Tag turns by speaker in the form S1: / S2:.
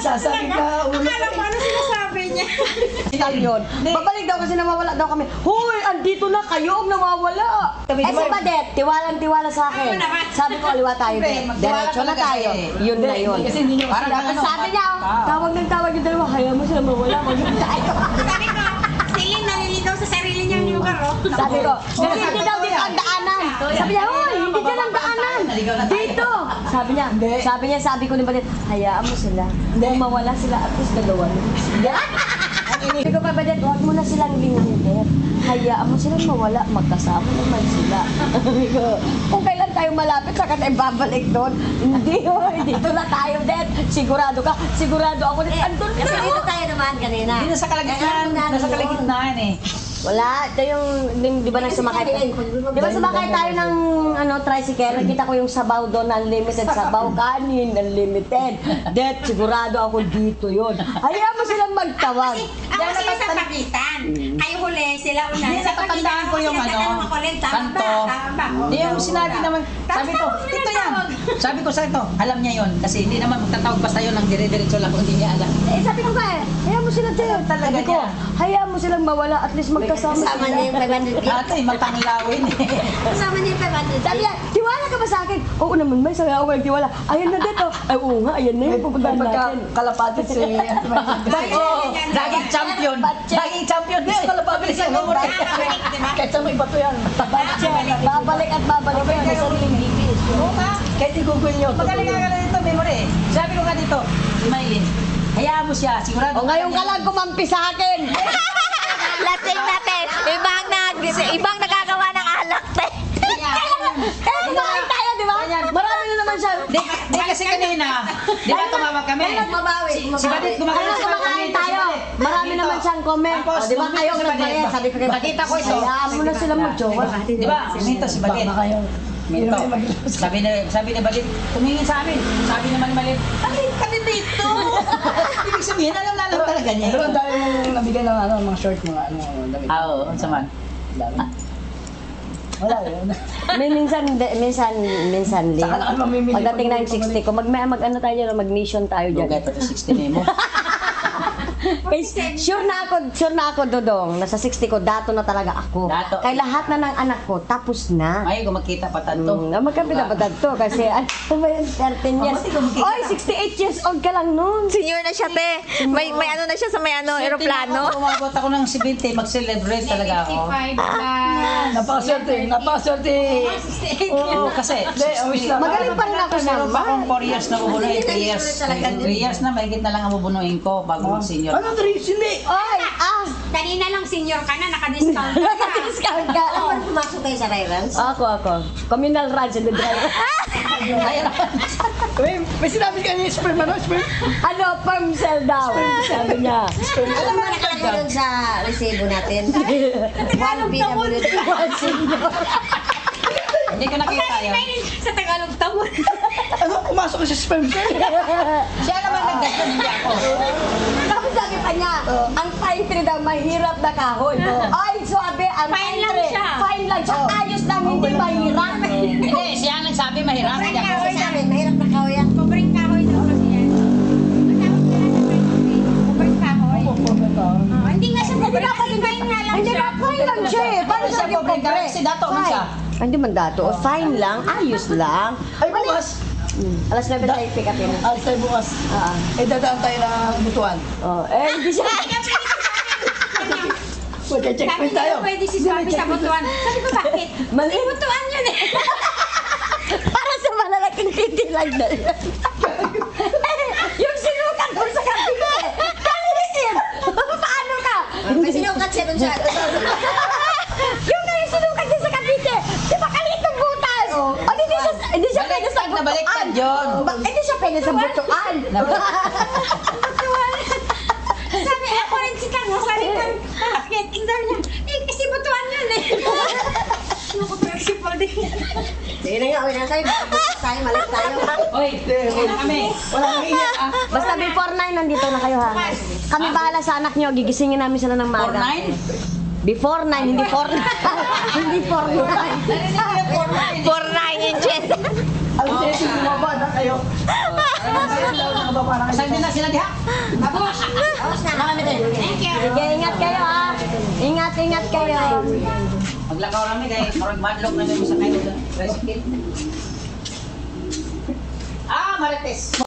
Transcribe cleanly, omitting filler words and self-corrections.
S1: Sasabi ka, ulo.
S2: Akala ko ano sinasabi niya.
S3: Yun. Babalik daw kasi nawawala daw kami. Hoy, andito na kayo ang nawawala. Eh si Badet, tiwalang-tiwala sa akin. Sabi ko, aliwa tayo, Bet. Diretso na tayo. Yun na yun.
S1: Kasi hindi nyo
S3: Sabi niya, tawag ng tawag yung dalawa, kaya mo sila mawala, maging tayo.
S2: Sabi ko, Celine naliligaw sa sarili niyang lugar, oh.
S3: Sabi ko, hindi daw dito ang daanan. Sabi niya, hoy, hindi dyan ang daanan. Dito. Sabi ko ni Badet, hayaan mo sila. Kung mawala sila, at least dalawa. Sabi ko pa, Badet, huwag mo na silang linangin. Hayaan mo silang mawala, magkasama naman sila. Sabi ko, kung kailan tayo malapit, saka tayo babalik doon. Hindi, hoy, dito na tayo, Det. Sigurado ka, sigurado ako, Det. Andun
S4: Kasi
S3: ka.
S4: dito tayo naman kanina.
S1: Hindi nasa kalagitnaan. Nasa kalagitnaan eh.
S3: Wala, ito yung, di ba sumakay? Di ba sumakay tayo ng tricycle? Nakita ko yung sabaw doon, unlimited sabaw, kanin, unlimited. Det, sigurado ako dito yun. Hayaan mo silang magtawag.
S2: Ako sila sa pagitan. Kayo huli, sila una.
S1: Hindi, natatandaan ko yung kanto. Hindi, yung sinabi naman, sabi ko, ito yan. Sabi ko sa ito, alam niya yun. Kasi hindi naman magtatawag basta yun ng dire-diretso lang kung hindi niya alam.
S3: Eh, sabi ko nga hayaan mo silang tayo.
S1: Talaga
S3: Sabi ko,
S1: niya.
S3: hayaan mo silang mawala, at least magkasama
S4: Kasama
S3: sila.
S4: niya yung 500 gift.
S1: Ate, matanglawin eh.
S4: Kasama niya yung 500
S3: Sabi niya, tiwala ka ba sa akin? Oo naman, may sabi ako nagtiwala. Ayan na dito. Ay, oo nga, ayan na yung pupuntahan natin.
S1: Kalapati si... Daging champion. Daging champion. Hindi, kalapati siya. Kahit sa may bato yan.
S3: Babalik at babalik ko yan. May sariling bibis.
S1: Oo nga. Kahit i-google nyo. Magaling nga dito, memory. Sabi ko nga dito, Maylin, hayaan mo siya, sigurado.
S3: O ngayon ka lang kumampi sa akin.
S5: Lasing natin. Ibang nagagawa ng alak.
S3: Eh, kumain tayo, di ba? Marami na naman siya.
S1: Di kasi kanina, di ba tumawag kami?
S4: Mabawi.
S1: Si Badit
S3: Kaya kumakain tayo. Marami naman siyang comment. O, di ba kayo nagbayad? Sabi ko kay Badit, hayaan mo na silang mag-jowa.
S1: Di ba? Minto si Badit. Minto. Sabi ni Badit, tumingin sa amin. Sabi naman Malit, alin kami dito. Ibig sabihin, alam na alam talaga niya.
S6: Pero ang dami mong nabigyan ng mga short, mga damit.
S1: Oo, ang saman.
S6: Wala yun.
S3: Minsan, Lee.
S6: Saka lang mamimili
S3: Pagdating
S6: pag-
S3: ng 60 ko, mag-ano tayo dyan, mag-mission tayo dyan.
S1: Lugay pa to 60 mo.
S3: Sure na ako, Dodong. Nasa 60 ko, dato na talaga ako.
S1: Dato.
S3: Kay lahat na ng anak ko, tapos na.
S1: Ay, kung magkita pa tanto.
S3: Magkapit na ba to? Kasi, ano ba yun, 13 years. Oy, 68 years old ka lang nun.
S5: Senior na siya, te. May ano na siya sa may aeroplano.
S1: Umabot ako ng 70, mag-celebrate talaga ako.
S2: 55
S6: Napakaswerte, napakaswerte.
S1: Oo, kasi.
S6: Hindi, wish lang.
S3: Magaling pa rin ako sa
S1: Meron pa akong 4 years na bubunuin, 3 years. 3 years na, mahigit na lang ang bubunuin ko bago mag-senior.
S6: Ano, Dries? Hindi.
S3: Oy,
S2: Kanina lang senior ka na, naka-discount ka.
S3: discount ka.
S4: Ano pumasok kayo sa Ryrans?
S3: Ako. Communal rides and the driver.
S6: May sinabi ka niya, sperm, ano, sperm?
S3: Ano, firm sell daw. Sabi niya.
S4: Alam mo nakalagay doon sa resibo natin? 1 PWD.
S1: Hindi ko nakita yun.
S2: Sa Tagalog tawon.
S6: Ano, pumasok ka sa sperm, sir?
S1: Siya naman nagdagdag, hindi ako.
S3: Tapos sabi pa niya, ang pine tree daw mahirap na kahoy. Ay, sabi, ang
S2: Fine
S3: pine
S2: lang
S3: tree,
S2: siya.
S3: fine lang siya. Ayos lang, hindi mahirap.
S1: Hindi, siya ang nagsabi mahirap. Hindi ako.
S4: Kasi sa amin, mahirap na kahoy yan.
S2: Pobreng kahoy daw kasi yan. Matawag nila sa pobreng kahoy. Hindi nga siya pobreng kasi fine nga lang
S3: Hindi
S2: siya.
S3: na, fine lang siya eh. Paano
S1: Siya
S3: siya yung
S1: pobre,
S3: pobre?
S1: kasi dato man siya.
S3: Hindi man dato. Fine lang, ayos lang.
S6: Ay, bukas.
S3: Alas 9 tayo pick upin.
S6: Alas tayo bukas. Eh, dadaan tayo ng butuan.
S3: Hindi siya.
S6: Checkpoint tayo.
S2: Pwede si Swabe sa butuan. Sabi ko, bakit?
S3: Mali.
S2: Butuan yun eh.
S3: Para sa malalaking titi lang na yan. Yung sinukat ko sa kabila. Kalisin! Paano ka?
S4: May sinukat siya doon sa...
S3: Yung na yung sinukat niya sa kabite. Di ba kalit ng butas? Hindi siya pwede sa
S1: Baliktad na baliktad yun.
S3: Hindi siya pwede sa butuan.
S2: Butuan. Sabi, ako rin si Kang. Sabi ko, bakit? Tingnan niya. Kasi butuan yun eh. Ako flexible din.
S4: Sige na nga, uwi na tayo. Bukas tayo, malit tayo.
S1: Oy, wala kami.
S6: Wala nang iyak, ah.
S3: Basta before 9, nandito na kayo ha. Kami bahala sa anak nyo. Gigisingin namin sila ng maga.
S1: 4-9?
S3: Before 9, hindi 4 Hindi 4
S5: 4'9 inches.
S6: Alas 7, bumaba na kayo.
S1: Saan din na sila diha?
S2: Tapos na. Thank you.
S3: Sige, ingat kayo ha. Ingat kayo.
S1: Maglakaw kami kay Marag Madlock na may sa kayo. Tricycle. Marites.